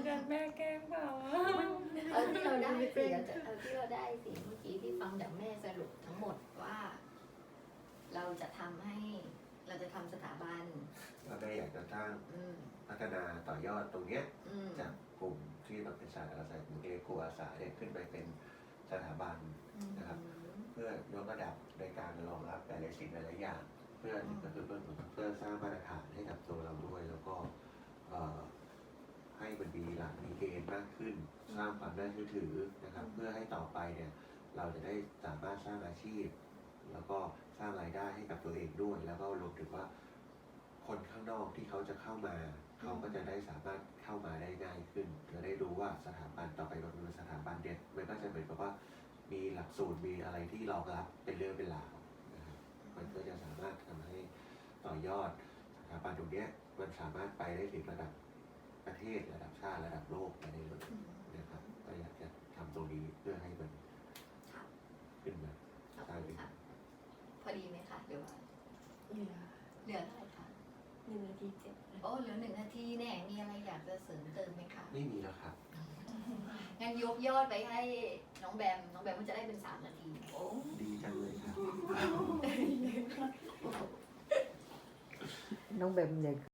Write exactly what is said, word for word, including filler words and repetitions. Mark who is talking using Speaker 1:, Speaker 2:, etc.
Speaker 1: แบบแม่แกล้งเปล่า
Speaker 2: เอาที่เราได้สิเอาที่เราได้สิเมื่อกี้ที่ฟังจากแม่สรุปทั้งหมดว่า เราจะทำให้เราจะทำสถาบัน
Speaker 3: เราได้อยากจะสร้าง
Speaker 2: อืม
Speaker 3: พัฒนาต่อยอดตรงเนี้ย
Speaker 2: อืม
Speaker 3: จากกลุ่มที่เราเป็นสายอาสากลุ่มเอโกอาสาเนี่ยขึ้นไปเป็นสถาบัน นะครับ เพื่อยกระดับในการรองรับหลายๆสิ่งหลายๆอย่างเพื่อก็คือเพื่อเพื่อสร้างมาตรฐานให้กับตัวเราด้วย แล้วก็เอ่อให้มันมีหลักมีเกณฑ์มากขึ้น สร้างความน่าเชื่อถือนะครับ เพื่อให้ต่อไปเนี่ยเราจะได้สามารถสร้างอาชีพ แล้วก็สร้างรายได้ให้กับตัวเองด้วย แล้วก็รวมถึงว่าคนข้างนอกที่เขาจะเข้ามา เขาก็จะได้สามารถเข้ามาได้ง่ายขึ้นจะได้รู้ว่าสถาบันต่อไปมันเป็นสถาบันเด็ดมันก็จะเหมือนกับว่ามีหลักสูตรมีอะไรที่รองรับเป็นเรื่องเป็นราวนะครับมันก็จะสามารถทำให้ต่อยอดสถาบันตรงเนี้ยมันสามารถไปได้ถึงระดับประเทศระดับชาติระดับโลกไปได้เลยนะครับก็อยากจะทำตรงนี้เพื่อให้มันขึ้นมา
Speaker 2: ขอบคุณค่ะพอดีไหมคะหรือว่า
Speaker 1: เหลือ
Speaker 2: เหลือเท่าไหร่คะ
Speaker 1: หนึ่งนาทีเจ็ด
Speaker 2: โอ้เหลือหนึ่งนาทีแน่มีอะไรอยากจะเสริมเติมไหมคะ
Speaker 3: ไม่มีแล้วครับ
Speaker 2: งั้นยกยอดไปให้น้องแบมน้องแบมมันจะได้เป็นสามนาทีโอ้
Speaker 3: ดีจังเลยครับ
Speaker 4: น้องแบมเนี่ย